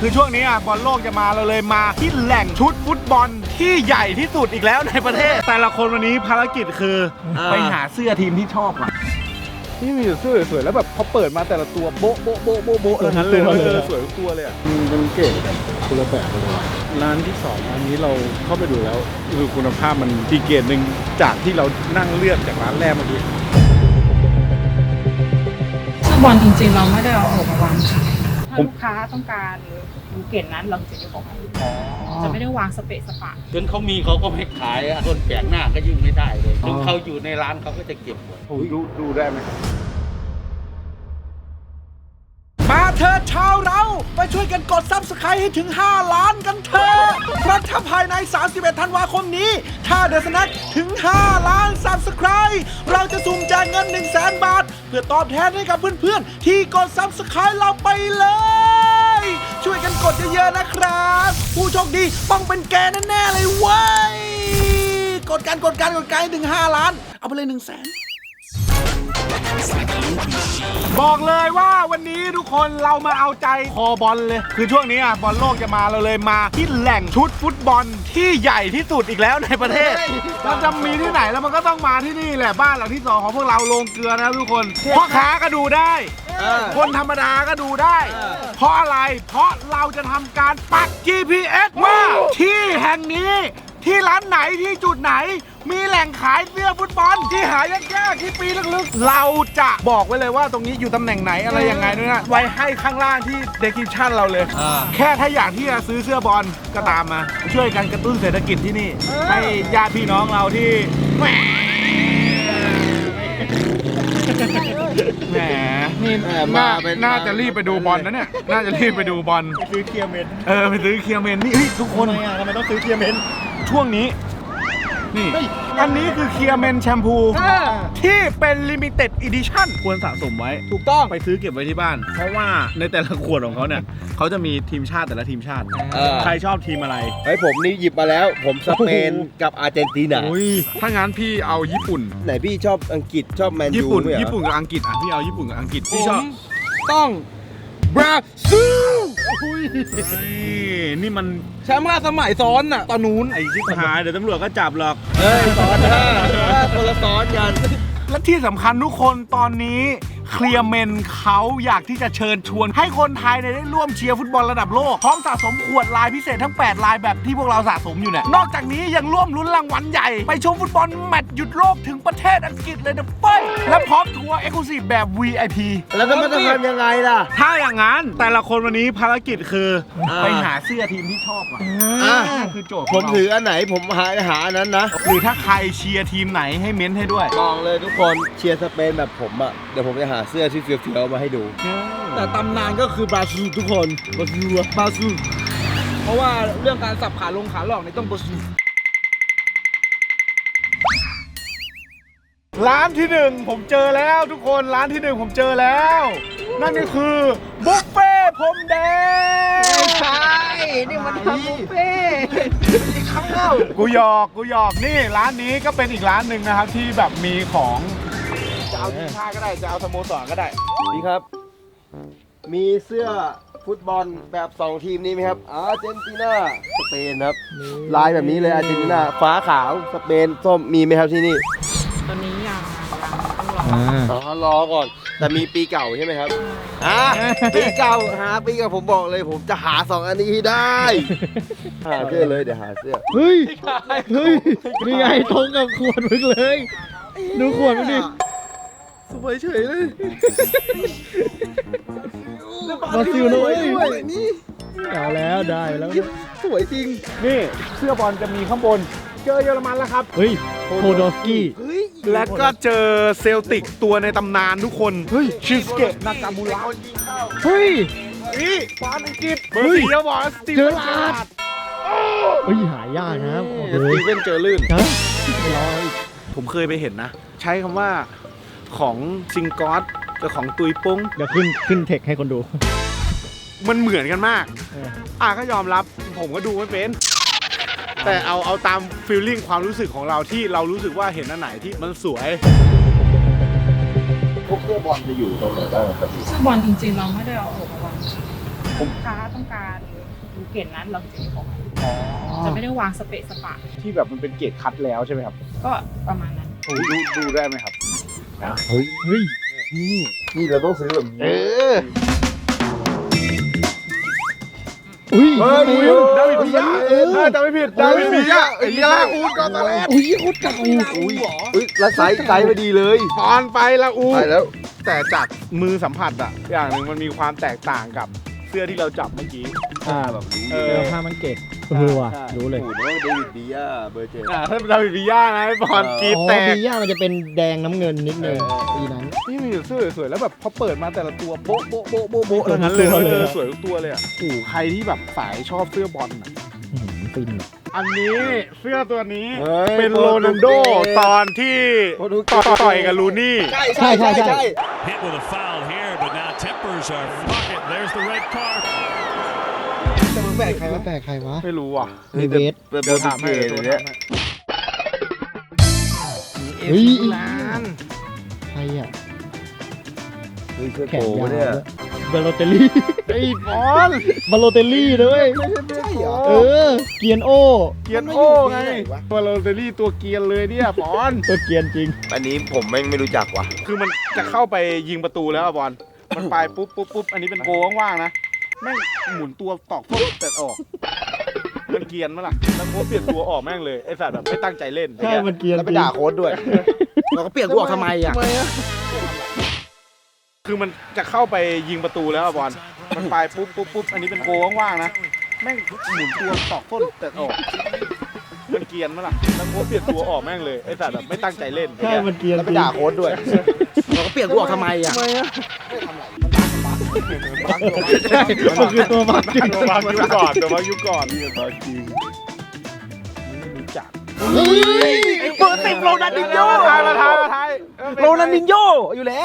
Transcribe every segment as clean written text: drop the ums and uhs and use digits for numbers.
คือช่วงนี้บอลโลกจะมาเราเลยมาที่แหล่งชุดฟุตบอลที่ใหญ่ที่สุดอีกแล้วในประเทศแต่ละคนวันนี้ภารกิจคือไปหาเสื้อทีมที่ชอบอ่ะนี่มีเสื้อสวยๆแล้วแบบพอเปิดมาแต่ละตัวโบ๊ะโบ๊ะโบ๊ะโบ๊ะโบ๊ะทั้งเลยสวยทุกตัวเลยอ่ะมันเก๋คุณละแบบเลยร้านที่2อันนี้เราเข้าไปดูแล้วคือคุณภาพมันดีเกรดหนึ่งจากที่เรานั่งเลือกจากร้านแรกเมื่อกี้ฟุตบอลจริงๆเราไม่ได้เอาออกมาวางขายถ้าลูกค้าต้องการดูเกตนั้นเราจะยกออกมาจะไม่ได้วางสเปะสปะจนเขามีเขาก็ไม่ขายคนแปลกหน้าก็ยิ่งไม่ได้เลยถึงเขาอยู่ในร้านเขาก็จะเก็บหมดดูได้ไหมมาเธอชาวเราไปช่วยกันกด Subscribe ให้ถึง5 ล้านกันเถอะเพราะถ้าภายใน31ธันวาคมนี้ถ้าเดอะสแน็คถึง5 ล้าน Subscribe เราจะสุ่มแจกเงิน 100,000 บาทเพื่อตอบแทนให้กับเพื่อนๆที่กด Subscribe เราไปเลยช่วยกันกดเยอะๆนะครับผู้โชคดีต้องเป็นแกแน่ๆเลยเว้ยกดกันถึง5 ล้านเอาไปเลย 100,000บอกเลยว่าวันนี้ทุกคนเรามาเอาใจคอบอลเลยคือช่วงนี้บอลโลกจะมาเราเลยมาที่แหล่งชุดฟุตบอลที่ใหญ่ที่สุดอีกแล้วในประเทศเราจะมีที่ไหนแล้วมันก็ต้องมาที่นี่แหละบ้านหลังที่2ของพวกเราโรงเกลือนะทุกคนพ่อค้าก็ดูได้คนธรรมดาก็ดูได้เพราะอะไรเพราะเราจะทำการปัก GPS ว่าที่แห่งนี้ที่ร้านไหนที่จุดไหนมีแหล่งขายเสื้อฟุตบอลที่หายากๆที่ปีลึกๆเราจะบอกไว้เลยว่าตรงนี้อยู่ตำแหน่งไหนอะไรยังไงด้วยนะไว้ให้ข้างล่างที่ description เราเลยแค่ถ้าอยากที่จะซื้อเสื้อบอลก็ตามมาช่วยกันกระตุ้นเศรษฐกิจที่นี่ให้ญาติพี่น้องเราที่แหมนี่น่าจะรีบไปดูบอลนะเนี่ยน่าจะรีบไปดูบอลซื้อเคียร์เมนไปซื้อเคียร์เมนนี่ทุกคนทำไมต้องซื้อเคียร์เมนช่วงนี้นี่อันนี้คือเคียร์เมนแชมพูที่เป็นลิมิเต็ดอีดิชั่นควรสะสมไว้ถูกต้องไปซื้อเก็บไว้ที่บ้านเพราะว่าในแต่ละขวดของเขาเนี่ยเขาจะมีทีมชาติแต่ละทีมชาติใครชอบทีมอะไรผมนี่หยิบมาแล้วผมสเปนกับอาร์เจนตินาถ้างั้นพี่เอาญี่ปุ่นไหนพี่ชอบอังกฤษชอบแมนยูญี่ปุ่นกับอังกฤษพี่เอาญี่ปุ่นกับอังกฤษพี่ชอบต้องบราซิลนี่มันแชมป์5 สมัยซ้อนน่ะตอนนู้นไอ้ชิบหายเดี๋ยวตำรวจก็จับหรอกซ้อนคนละซ้อนกันและที่สำคัญทุกคนตอนนี้เคลียร์เมนเขาอยากที่จะเชิญชวนให้คนไทยได้ร่วมเชียร์ฟุตบอลระดับโลกพร้อมสะสมขวดลายพิเศษทั้ง8 ลายแบบที่พวกเราสะสมอยู่เนี่ยนอกจากนี้ยังร่วมลุ้นรางวัลใหญ่ไปชมฟุตบอลแมตช์หยุดโลกถึงประเทศอังกฤษเลยนะเฟ้ยและพร้อมทัวร์เอ็กซ์คลูซีฟแบบ VIP แล้วก็ไม่ต้องทำยังไงล่ะถ้าอย่างนั้นแต่ละคนวันนี้ภารกิจคือไปหาเสื้อทีมที่ชอบคือโจทย์ผมถืออันไหนผมหาอันนั้นนะหรือถ้าใครเชียร์ทีมไหนให้เม้นให้ด้วยบอกเลยทุกคนเชียร์สเปนแบบผมเดี๋ยวผมจะหาเสื้อที่เฟี้ยวๆมาให้ดูแต่ตำนานก็คือบราซิลทุกคนบราซิลเพราะว่าเรื่องการสับขาลงขาหลอกนี่ต้องบราซิลร้านที่1ผมเจอแล้วทุกคนร้านที่1ผมเจอแล้วนั่นก็คือบุฟเฟ่พรมแดงใช่นี่มันทำบุฟเฟ่ข้าวกูหยอกนี่ร้านนี้ก็เป็นอีกร้านหนึ่งนะครับที่แบบมีของจะเอาทีมชาติก็ได้จะเอาสโมสรก็ได้นี่ครับมีเสื้อฟุตบอลแบบ2 ทีมนี้ไหมครับอาร์เจนตินาสเปนครับลายแบบนี้เลยอาร์เจนตินาฟ้าขาวสเปนส้มมีไหมครับที่นี่ตอนนี้ยังต้องรอก่อนแต่มีปีเก่าใช่ไหมครับปีเก่าหาปีเก่าผมบอกเลยผมจะหา2 อันนี้ให้ได้หาเสื้อเลยเดี๋ยวหาเสื้อเฮ้ยนี่ไงตรงกับขวดมึงเลยดูขวดมึงดิสวยเฉยเลยบราซิลด้วยนี่เอาแล้วได้แล้วสวยจริงนี่เสื้อบอลจะมีข้างบนเจอเยอรมันแล้วครับเฮ้ยโพโดสกี้และก็เจอเซลติกตัวในตำนานทุกคนชิสเกะนากามูระเฮ้ยนี่ฟานอังกฤษเบอร์4บอกสตีเฟนเจอร์เฮ้ยหายากนะสตีเฟนเจอลื่นไม่รอผมเคยไปเห็นนะใช้คำว่าของซิงกอสกับของตุยปุ้งเดี๋ยวขึ้นเทคให้คนดูมันเหมือนกันมากก็ยอมรับผมก็ดูไม่เป็นแต่เอาตามฟีลลิ่งความรู้สึกของเราที่เรารู้สึกว่าเห็นอันไหนที่มันสวยพวกเสื้อบอลจะอยู่ตรงไหนบ้างครับเสื้อบอลจริงๆเราไม่ได้เอาออกมาวางขายลูกค้าต้องการภูเก็ตนั้นเราถึงจะยกออกมาจะไม่ได้วางสเปะสปะที่แบบมันเป็นเกรดคัดแล้วใช่ไหมครับก็ประมาณนั้นดูได้ไหมครับเฮ้ยนี่เราต้องซื้อแบบนี้อุ้ยเฮ้ยดาวิดวิยาจำไม่ผิดดาวิดวิยาลาอูดกอตาเลสอุ้ยโคตรเก่าอุ้ยแล้วไซส์พอดีเลยตอนไปลาอูดไปแล้วแต่จากมือสัมผัสอะอย่างหนึ่งมันมีความแตกต่างกับเสื้อที่เราจับเมื่อกี้แบบรู้เอเลอยผ้ามันเก็บว่ะใช่รู้เลยโอ้โหเดวิดวิยาเบอร์เจ็ดถ้าเป็นดาวิดวิยานะไอ้บอลกรีดอ๋อแตกบีย่ามันจะเป็นแดงน้ำเงินนิดนึงปีนั้นนี่มีเสื้อสวยๆแล้วแบบพอเปิดมาแต่ละตัวโบ๊ะโบ๊ะโบ๊ะโบ๊ะโบ๊ะสวยทุกทั้งนั้นเลยตัวเลยสวยทุกตัวเลยอ่ะโอ้โหใครที่แบบสายชอบเสื้อบอลอะฟินอันนี้เสื้อตัวนี้ฮ้ยเป็นโรนัลโดตอนที่ต่อยกับลูนี่ใช่ Hit with a foul here, but now tempers are fucking. There's the red card. แบกใครวะแปลกใครวะไม่รู้อ่ะมีเวสเดี๋ยวถามให้เดี๋เดี๋ยยว วถาเนี้มยให้เฮ้ยร้านใครอ่ะเฮ้ยเสื้อแขโปนยาวเนี่ยบาโลเตลลี่ไอ้บอลบาโลเตลลี่ด้วยใช่เหรอเออ เกียนโอเกียร์โอ้ไงตัวโรเตอรี่ตัวเกียร์เลยเนี่ยบอลตัวเกียนจริงอันนี้ผมแม่งไม่รู้จักว่ะคือมันจะเข้าไปยิงประตูแล้วอะบอลมันไปปุ๊บอันนี้เป็นโกว่างๆนะแม่งหมุนตัวตอกโทษแต่ออกมันเกียนมั้ยล่ะแล้วโค้ชเปลี่ยนตัวออกแม่งเลยไอ้สัตว์แบบไม่ตั้งใจเล่นใช่ มันเกียนแล้วจไปริงด่าโค้ดด้วย เราก็เปลี่ยนกูออกทำไมอ่ะคือมันจะเข้าไปยิงประตูแล้วอะบอลมันไปปุ๊บอันนี้เป็นโกว่างๆนะแม่งหมุนตัวตอกโทษแต่ออกมันเกียนมั้ยล่ะแล้วโค้ชเปลี่ยนตัวออกแม่งเลยไอ้สัตว์แบบไม่ตั้งใจเล่นใช่ มันเกียนแล้วจไปริงด่าโค้ดด้วย เราก็เปลี่ยนกูออกทำไมอ่ะใช่มันคือตัวบักจริงตัวบางยุคก่อนนี่บางจริงไม่รู้จักเฮ้ยเบอร์สิบโรนัลดินโญ่มาทายโรนัลดินโญ่อยู่แล้ว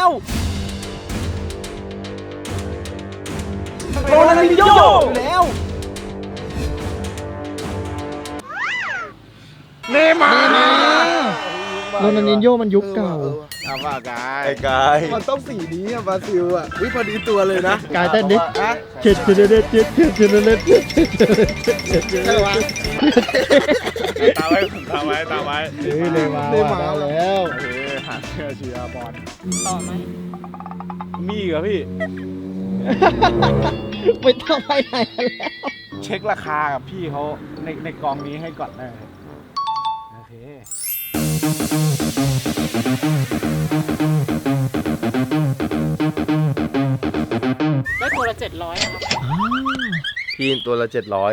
โรนัลดินโญ่อยู่แล้วเนมาร์โรนัลดินโญ่มันยุคเก่าทำว่ากายไอ้กายมันต้องสีนี้อ่ะบราซิลอ่ะวิพอดีตัวเลยนะกายเต้นดิฮะเจ็ดเจ็ดเจ็ดเจ็ดเจ็ดเจ็ดเจ็ดเจ็ดเจ็ดใช่วะตามไว้เฮ้ยเลยมาว่ะได้แล้วเฮ้ยหาเชียร์บอลต่อไหมมีเหรอพี่ไม่ต้องไปไหนแล้วเช็คราคากับพี่เขาในกองนี้ให้ก่อนได้ไหมโอเคได้ตัวละ700อะครับพี่ตัวละ700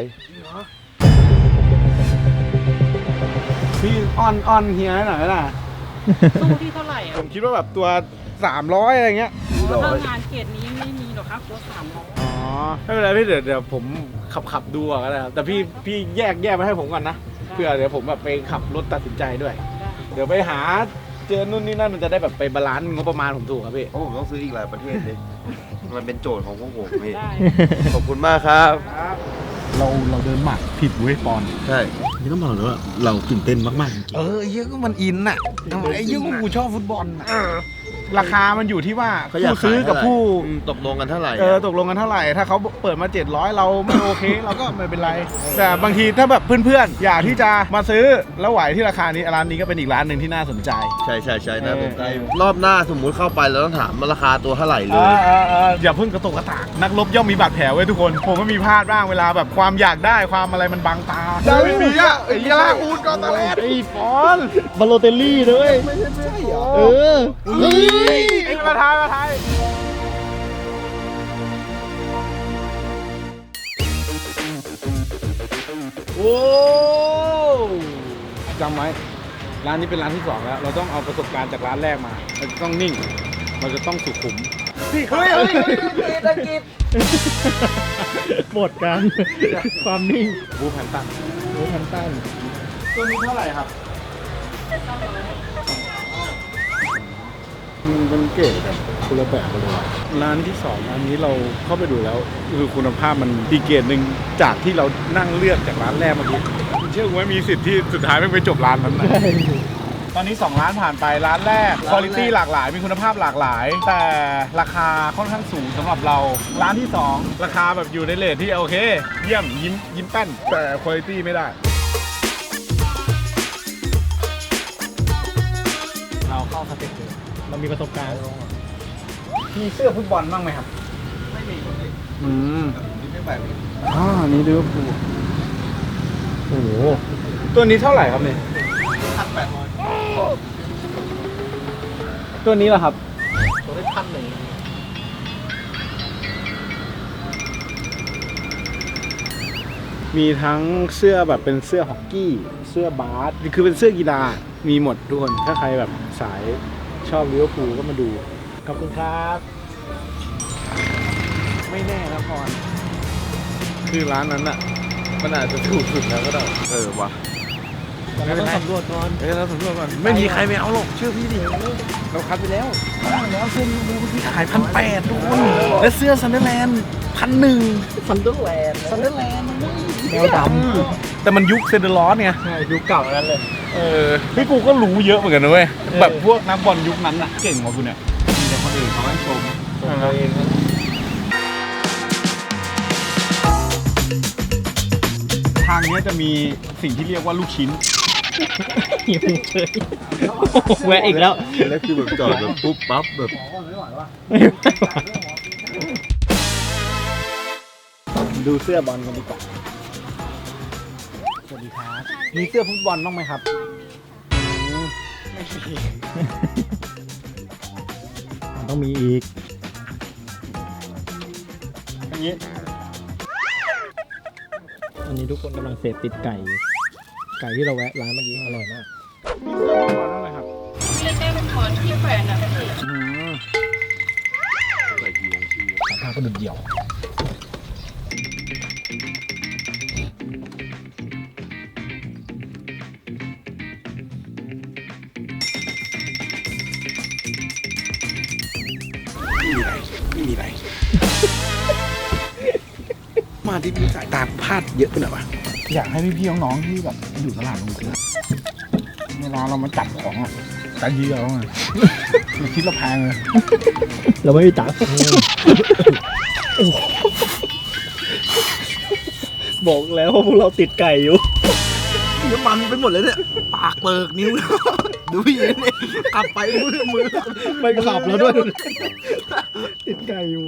พี่ออนเฮียหน่อยนะตู้ที่เท่าไหร่อะผมคิดว่าแบบตัว300อะไรเงี้ยถ้างานเกรดนี้ไม่มีหรอกครับตัว300 อ๋อไม่เป็นไรพี่เดี๋ยวผมขับดูก่อนก็ได้ครับแต่พี่แยกมาให้ผมก่อนนะเพื่อเดี๋ยวผมแบบไปขับรถตัดสินใจด้วย เดี๋ยวไปหาเจอนู่นนี่นั่นมันจะได้แบบไปบาลานซ์งบประมาณผมถูกครับพี่เพราะผมต้องซื้ออีกหลายประเทศเลย มันเป็นโจทย์ของพวกผมพี่ได้ขอบคุณมากครับเราเดินหมักผิดเว้ยปอนใช่นี่ต้องบอกเลยว่าเราตื่นเต้นมากๆจริงไอ้เหี้ยก็มันอินน่ะไอ้เหี้ยก็กูชอบฟุตบอลน่ะราคามันอยู่ที่ว่าเขาอยากผู้ซื้อกับผู้ตกลงกันเท่าไหร่ตกลงกันเท่าไหร่ ถ้าเขาเปิดมา700เราไม่โอเค เราก็ไม่เป็นไร แต่บางทีถ้าแบบเพื่อนๆ อยากที่จะมาซื้อแล้วไหวที่ราคานี้ร้านนี้ก็เป็นอีกร้านหนึ่งที่น่าสนใจใช่นะผมใจรอบหน้าสมมุติเข้าไปเราต้องถามว่าราคาตัวเท่าไหร่เลยอย่าเพิ่งกระตุกกระตากนักรบย่อมมีบาดแผลไว้ทุกคน ผมก็มีพลาดบ้างเวลาแบบความอยากได้ความอะไรมันบังตาดาวิดวิยาไอ้ลาอูดกอตาเลสไอ้บอลบาโลเตลลี่ด้วยใช่เหรอเออ เฮ้ยไอ้มาทายโอ้จำไว้ร้านนี้เป็นร้านที่2แล้วเราต้องเอาประสบการณ์จากร้านแรกมาเราจะต้องนิ่งเราจะต้องสุขุมพี่เฮ้ยตะกิดหมดกัน ความนิ่งบูแพนตันโอ้พันตันตัวนี้เท่าไหร่ครับมันเป็นเก๋คนละแบบเลยร้านที่2ร้านนี้เราเข้าไปดูแล้วคือคุณภาพมันดีเกรดหนึ่งจากที่เรานั่งเลือกจากร้านแรกเมื่อกี้เชื่อว่ามีสิทธิ์ที่สุดท้ายไม่ไปจบร้านนั้นนะตอนนี้2ร้านผ่านไปร้านแรกคุณภาพหลากหลายมีคุณภาพหลากหลาย แต่ราคาค่อนข้างสูงสำหรับเราร้านที่2ราคาแบบอยู่ในเรทที่โอเคเยี่ยมยิ้มแป้นแต่คุณภาพไม่ได้เราเข้าสเต็ปเลยเรามีประสบการณ์มีเสื้อฟุตบอลบ้างไหมครับไม่มีนี่ลิเวอร์พูลโอ้โหตัวนี้เท่าไหร่ครับเนี่ยตัวนี้เหรอครับตัวได้1,100 มีทั้งเสื้อแบบเป็นเสื้อฮอกกี้ เสื้อบาสคือเป็นเสื้อกีฬา มีหมดทุกคน ถ้าใครแบบสายชอบลิเวอร์พูลก็มาดู ขอบคุณครับ ไม่แน่นะพรคือร้านนั้นอ่ะ มันอาจจะถูกสุดแล้วก็ได้ว่ะเราต้องสำรวจก่อนเราสำรวจก่อนไม่มีใครไม่เอาหรอกเชื่อพี่ดิเราคัดไปแล้วแล้วเสื้อลิเวอร์พูลที่ขาย1,800ทุกคนและเสื้อซันเดอร์แลนด์1,100 ซันเดอร์แลนด์แมวดำแต่มันยุคเซนเดอร์ลอสไงใช่ยุคเก่านั้นเลยพี่กูก็รู้เยอะเหมือนกันนะเว้ยแบบพวกนักบอลยุคนั้นน่ะเก่งกว่ากูเนี่ยมีแต่คนอื่นเขาให้ชมตัวเองทางนี้จะมีสิ่งที่เรียกว่าลูกชิ้นหิวเฉยแวะอีกแล้วแล้วคือแบบจอดแบบปุ๊บปั๊บแบบดูเสื้อบอลกันดีกว่าสวัสดีครับมีเสื้อฟุตบอลบ้างไหมครับไม่มีมันต้องมีอีกอันนี้อันนี้ทุกคนกำลังเสพติดไก่อยู่ไก่ที่เราแวะร้านเมื่อกี้อร่อยมากมีเสื้อฟุตบอลบ้างไหมครับเล็กๆเป็นหมอนที่แขวนอะพี่ราคาก็ดุเดี่ยวไม่มีไร มาที่มีสายตาพลาดเยอะไปหน่อยวะอยากให้พี่ๆน้องๆที่แบบอยู่ตลาดลงเกลือเวลาเรามาจับของอ่ะใจเยียวไงมันคิดเราแพงเลยเราไม่มีตังค์บอกแล้วว่าพวกเราติดไก่อยู่น้ำมันไปหมดเลยเนี่ยปากเปิกนิ้วดูพี่เนี่ยกลับไปมือไม่ขับแล้วด้วย ติดไก่อยู่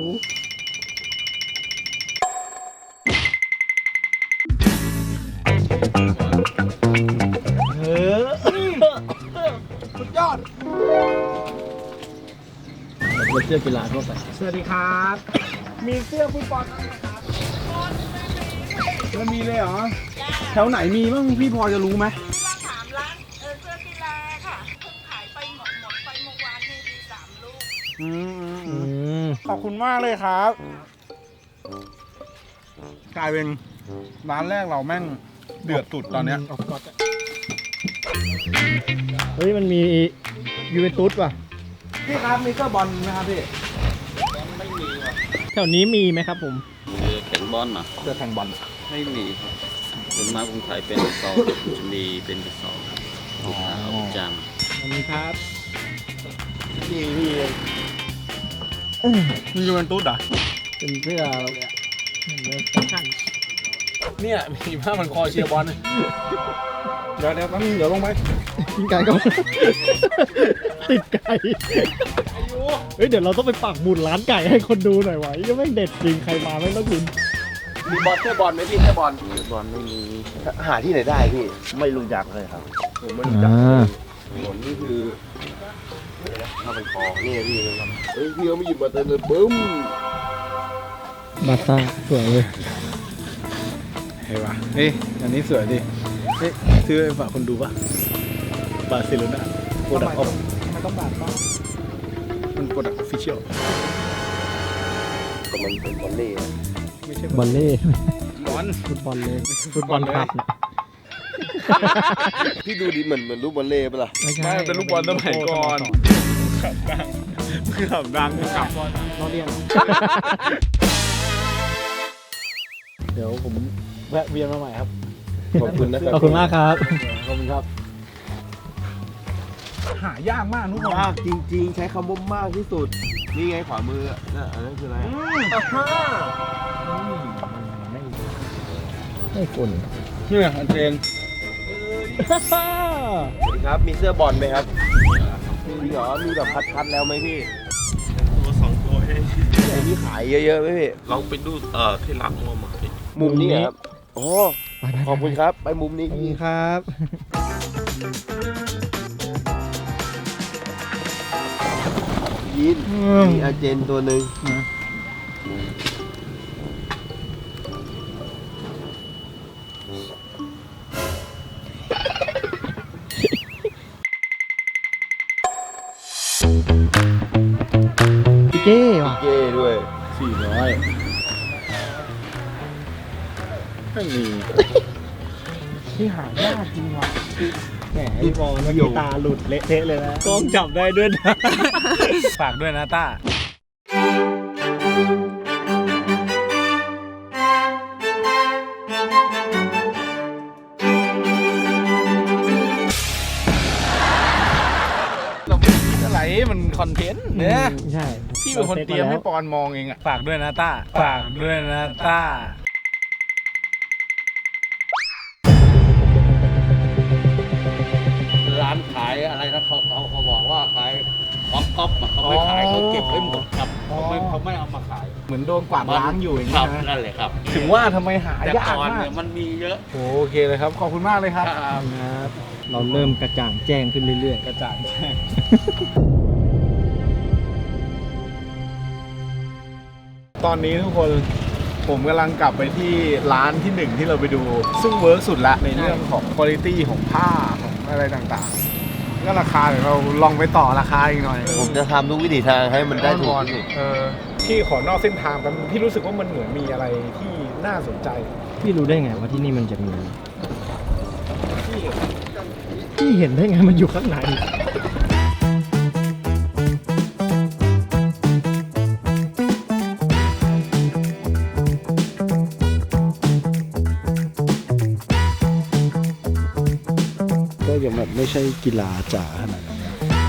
สุดยอดเราเสื้อกีฬาทั่วไปสวัสดีครับ มีเสื้อฟุตบอลบ้างไหมครับแล้วมีเลยเหรอ แถวไหนมีบ้างพี่พอจะรู้ไหมถามร้านเสื้อกีฬาค่ะเพิ่งขายไปหมดไปเมื่อวานนี่มี3 ลูกขอบคุณมากเลยครับ กลายเป็นร้านแรกเราแม่งเดือดสุดตอนเนี้ยเฮ้ย มันมียูเวนตุสว่ะพี่ครับมีเสื้อบอลไหมครับพี่แถวนี้มีไหมครับผมแข่งบอลนะเสื้อแข่งบอลไม่มีครับผมมาคนไทยเป็นซอจะมีเป็นกระสอบเอาประจอันนี้ครับมียูเวนตุสเหรอเป็นเสื้อเหมือนเลยสั้นเนี่ยมีผ้ามันคอเชียร์บอลเดี๋ยวแป๊บนึงเดี๋ยวลงไปกินไก่ก็ ติดไก่ เฮ้ย เดี๋ยวเราต้องไปปักหมุดร้านไก่ให้คนดูหน่อยวะยังไม่เด็ดจริง ใครมาไม่ต้องกินมีบอลเสื้อบอลไหมพี่เสื้อบอลำบอลไม่มีหาที่ไหนได้พี่ไม่รู้จักเลยครับผมไม่รู้จักถนนนี่คือถ้าเป็นคอนี่พี่เฮ้ยพี่เขาไม่หยิบมาเต็มเลยบึ้มบาซ่าสวยเลยเฮ้ยว่ะเฮ้ยอันนี้สวยดิเฮ้ยซื้อไปฝากคนดูป่ะบาร์เซโลนาโปรดักต์ออฟมันต้องบาซ่ามันโปรดักต์ออฟฟิเชียลก็มันเป็นบอลเล่อะไม่ใช่บอลเล่บอลฟุตบอลเลยฟุตบอลครับนะพี่ดูดิเหมือนรูปบอลเล่ปะล่ะไม่ใช่ไม่มันเป็นลูกบอลสมัยก่อนขับดังคือขับดังขับเราเรียนเดี๋ยวผมแวะเวียนมาใหม่ครับ ขอบคุณนะครับขอบคุณมากครับขอบคุณครับหายากมากทุกคนมากจริงๆ ใช้คำว่ามากที่สุด นี่ไงขวามือน่ะอันนั้นคืออะไรไม่ฝุ่นเนี่ยอันเจนสวัสดีครับ มีเสื้อบอลไหมครับจริงเหรอ มีแบบคัดๆแล้วไหมพี่ตัวสองตัวเองไหนมีขายเยอะๆไหมพี่เราไปดูที่รักงัวหมาดิมุมนี้เหรอครับโอ้ขอบคุณครับ ไปมุมนี้ขอบคุณครับยินมีอาเจนตัวหนึ่งพี่เก้ว่ะเก้ด้วย 400ไม่มีที่หายากจริงว่ะแหมพี่บอลเมื่อกี้ตาหลุดเละเทะเลยนะกล้องจับได้ด้วยนะฝากด้วยนะต้า เราไม่คิดอะไรมันคอนเทนต์เนี่ยใช่พี่เป็นคนเตรียมให้ปอนมองเองอะฝากด้วยนะต้า ฝากด้วยนะต้าร้านขายอะไรนะเขาบอกว่าขายของก๊อปอะเขาไม่ขายเขาเก็บไว้หมดครับเขาไม่เอามาขายเหมือนโดนกวาดล้างอยู่อย่างครันี้บนะนั่นแหละครับถึงว่าทำไมหาแต่ยากก่อนมาเนี่กยมันมีเยอะโอเคเลยครับ ขอบคุณมากเลยครับครับครับเราเริ่มกระจ่างแจ้งขึ้นเรื่อยกระจ่างแจ้ง ตอนนี้ทุกคนผมกำลังกลับไปที่ร้านที่หนึ่งที่เราไปดู ซึ่งเวิร์กสุดละในเรื่องของคุณภาพของผ้าของอะไรต่างๆ ก็ราคาเดี๋ยวเราลองไปต่อราคาอีกหน่อยผมจะทำทุกวิถีทางให้มันได้ถูกที่สุดพี่ขอนอกเส้นทางแป๊บนึงพี่รู้สึกว่ามันเหมือนมีอะไรที่น่าสนใจๆพี่รู้ได้ไงว่าที่นี่มันจะมีพี่เห็นได้ไงมันอยู่ข้างในก็ยังแบบไม่ใช่กีฬาจ๋าขนาดนั้น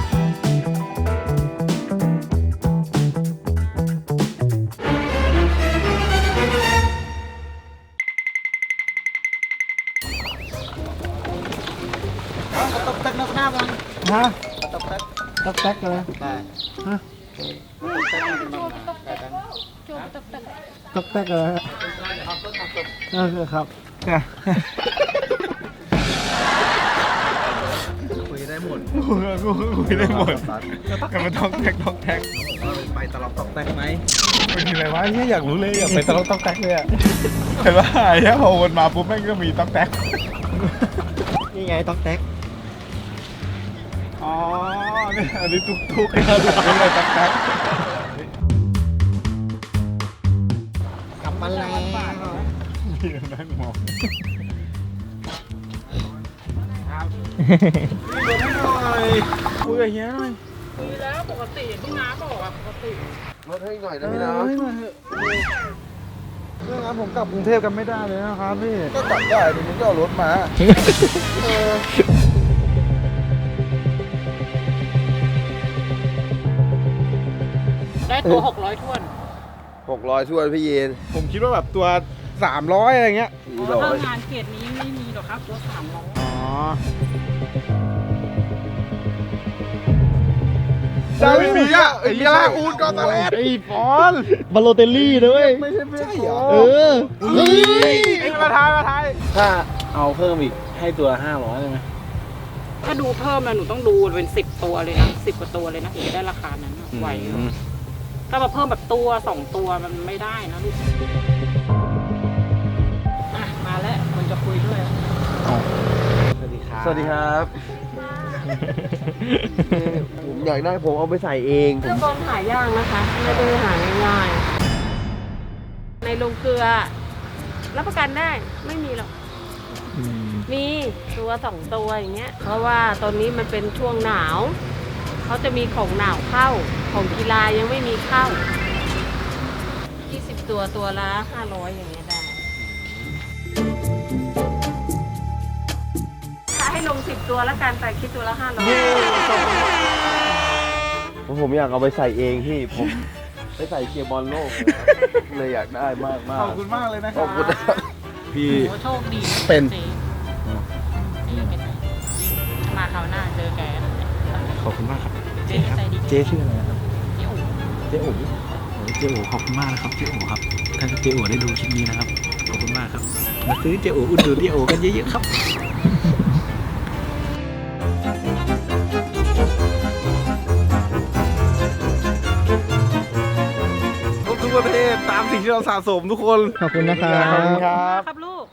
ฮะต๊อกแต๊กเลยฮะต๊อกแต๊กเลยครับคุยได้หมดแต่มันต้องแท็กไปตลอดต้องแท็กไหมเป็นอะไรวะเนี่ยอยากรู้เลยอยากไปตลอดต้องแท็กเลยอะเห็นว่าไอ้เนี่ยพอวนมาปุ๊บแม่งก็มีต้องแท็กนี่ไงต๊อกแต๊กอ๋อเนี่ยอันนี้ทุกๆนะครับไม่ใช่ต้องแท็กกลับมาแล้วพี่นั่งมองคุยกับเฮียหน่อยดีแล้วปกติอย่างที่น้าบอกอะปกติลดให้หน่อยนะพี่นะเรื่องนั้นผมกลับกรุงเทพกันไม่ได้เลยนะครับพี่ก็กลับได้ดิมึงก็เอารถมาได้ตัว600ถ้วน 600ถ้วนพี่ยีนผมคิดว่าแบบตัว 300อะไรเงี้ยถ้างานเกรดนี้ไม่มีหรอกครับตัว300 อ๋อดาวินมีอ่ะไอ้ยาลาอูนกอนตาเลสไอ้ฟอนบาโลเตลลี่ด้วยไม่ใช่ใช่เหรอเออไอ้มาทายถ้าเอาเพิ่มอีกให้ตัว500ได้ไหมถ้าดูเพิ่มนะหนูต้องดูเป็น10ตัวเลยนะ10กว่าตัวเลยนะถึงจะได้ราคานั้นนะไหวอยู่ถ้ามาเพิ่มแบบตัว2ตัวมันไม่ได้นะลูกอ่ะมาแล้วคนจะคุยด้วยสวัสดีครับสวัสดีครับผมอยากได้ผมเอาไปใส่เองเสื้อบอลหายากนะคะ ไม่ได้หาง่ายๆ ในโรงเกลือ รับประกันได้ไม่มีหรอก มีตัว2ตัวอย่างเงี้ย เพราะว่าตอนนี้มันเป็นช่วงหนาว เขาจะมีของหนาวเข้า ของกีฬายังไม่มีเข้า 20 ตัวตัวละ500อย่างเงี้ยได้ ถ้าให้ลง10 ตัวละกันแต่คิดตัวละ500 ผมอยากเอาไปใส่เองพี่ผมไปใส่เชียร์บอลโลกเลยอยากได้มากๆขอบคุณมากเลยนะคขรัอบบคุณนะครับพี่โอ้โชคดีเป็นมาคราวหน้าเจอแกขอบคุณมากครับเจ๊ใจดีเจ๊ชื่ออะไรนะครับเจ๊อู๋เจ๊โอ๋ขอบคุณมากนะครับเจ๊โอ๋ครับถ้าเจ๊โอ๋ได้ดูคลิปนี้นะครับขอบคุณมากครับมาซื้อเจ๊โอ๋อุดหนุนเจ๊โอ๋กันเยอะๆครับทุกประเทศตามสิ่งที่เราสะสมทุกคนขอบคุณนะครับขอบคุณครับครับลูก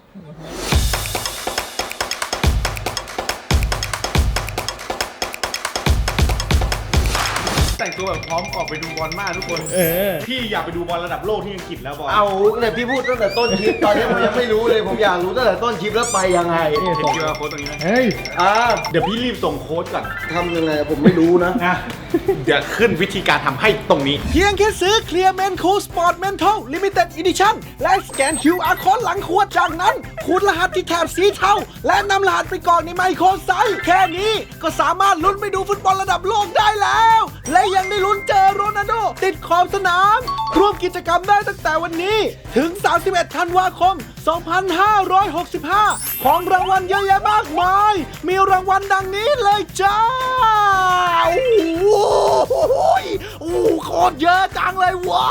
แต่งตัวแบบพร้อมออกไปดูบอลมากทุกคน พี่อยากไปดูบอลระดับโลกที่อังกฤษแล้วบอลเอาเนี่ยพี่พูดตั้งแต่ต้นคลิปตอนนี้ผมยังไม่รู้เลยผมอยากรู้ตั้งแต่ต้นคลิปแล้วไปยังไงเห็น QR code ตรงนี้ไหมเฮ้ยเดี๋ยวพี่รีบส่งโค้ดก่อนทำยังไงผมไม่รู้นะนะเดี๋ยวขึ้นวิธีการทำให้ตรงนี้ เพียงแค่ซื้อ Clear Men Cool Sport Mental Limited Edition และสแกน QR Code หลังขวดจากนั้นคูณรหัสที่แถบสีเทาและนำรหัสไปกรอกในไมโครไซส์แค่นี้ก็สามารถลุ้นไปดูฟุตบอลระดับโลกได้แล้ว และยังได้ลุ้นเจอโรนัลโดติดขอบสนามร่วมกิจกรรมได้ตั้งแต่วันนี้ถึง 31 ธันวาคม 2565 ของรางวัลเยอะแยะมากมาย มีรางวัลดังนี้เลยจ้า โอ้โหโคตรเยอะจังเลยว้า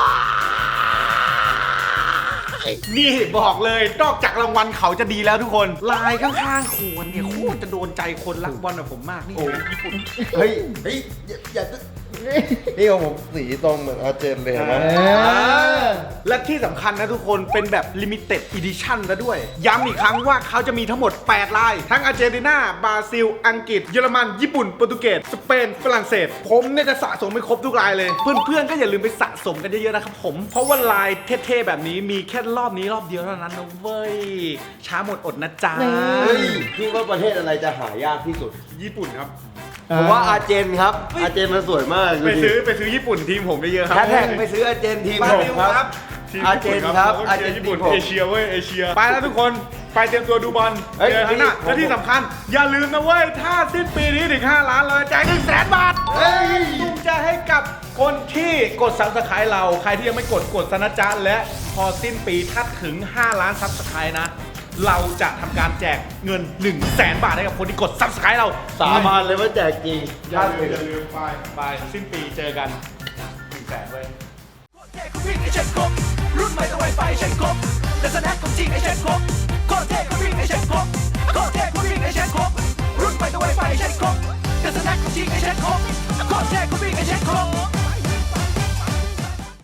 นี่บอกเลยนอกจากรางวัลเขาจะดีแล้วทุกคน ลายข้างๆขวดเนี่ยโคตรจะโดนใจคนรักบอลแบบผมมากนี่นะญี่ปุ่นเฮ้ยอย่านี่ของผมสีตรงเหมือนอาร์เจนเลยนะและที่สำคัญนะทุกคนเป็นแบบ Limited Edition แล้วด้วย ย้ำอีกครั้งว่าเขาจะมีทั้งหมด 8 ลาย ทั้งอาร์เจนตินาบราซิล อังกฤษ เยอรมัน ญี่ปุ่น โปรตุเกส สเปน ฝรั่งเศส ผมเนี่ยจะสะสมไปครบทุกลายเลย เพื่อนๆ ก็อย่าลืมไปสะสมกันเยอะๆนะครับผม เพราะว่าลายเท่ๆ แบบนี้มีแค่รอบนี้รอบเดียวเท่านั้นนะเว้ย ช้าหมดอดนะจ๊ะเฮ้ยคิดว่าประเทศอะไรจะหายากที่สุดญี่ปุ่นครับผมว่าอาร์เจนครับ อาร์เจนมันสวยมากไปซื้อญี่ปุ่นทีมผมได้เยอะครับแฮชแท็กไปซื้ออาร์เจนทีมผมครับ อาร์เจนครับอาร์เจนญี่ปุ่นทีมผมเอเชียเว้ยเอเชียไปแล้วทุกคนไปเตรียมตัวดูบอลเฮ้ยเจอกันนะพี่และที่สำคัญอย่าลืมนะเว้ยถ้าสิ้นปีนี้ถึง5 ล้านเราจะแจก100,000 บาทตุ้มจะให้กับคนที่กด Subscribe เราใครที่ยังไม่กดซะนะจ๊ะและพอสิ้นปีถ้าถึง5 ล้าน Subscribe นะเราจะทำการแจกเงิน100,000 บาทให้กับคนที่กด Subscribe เราสาบานเลยว่าแจกจริงอย่าลืมไปสิ้นปีเจอกัน100,000เว้ยวิ่งไอเช็ดครบรุ่นใหม่ต้องไวไฟเช็ดครบแต่สแน็คของจริงไอเช็ดครบโคตรเท่ก็วิ่งไอเช็ดครบโคตรเท่ก็วิ่งไอเช็ดครบรุ่นใหม่ต้องไวไฟเช็ดครบแต่สแน็คของจริงไอเช็ดครบโคตรเท่ก็วิ่งไอเช็ดครบ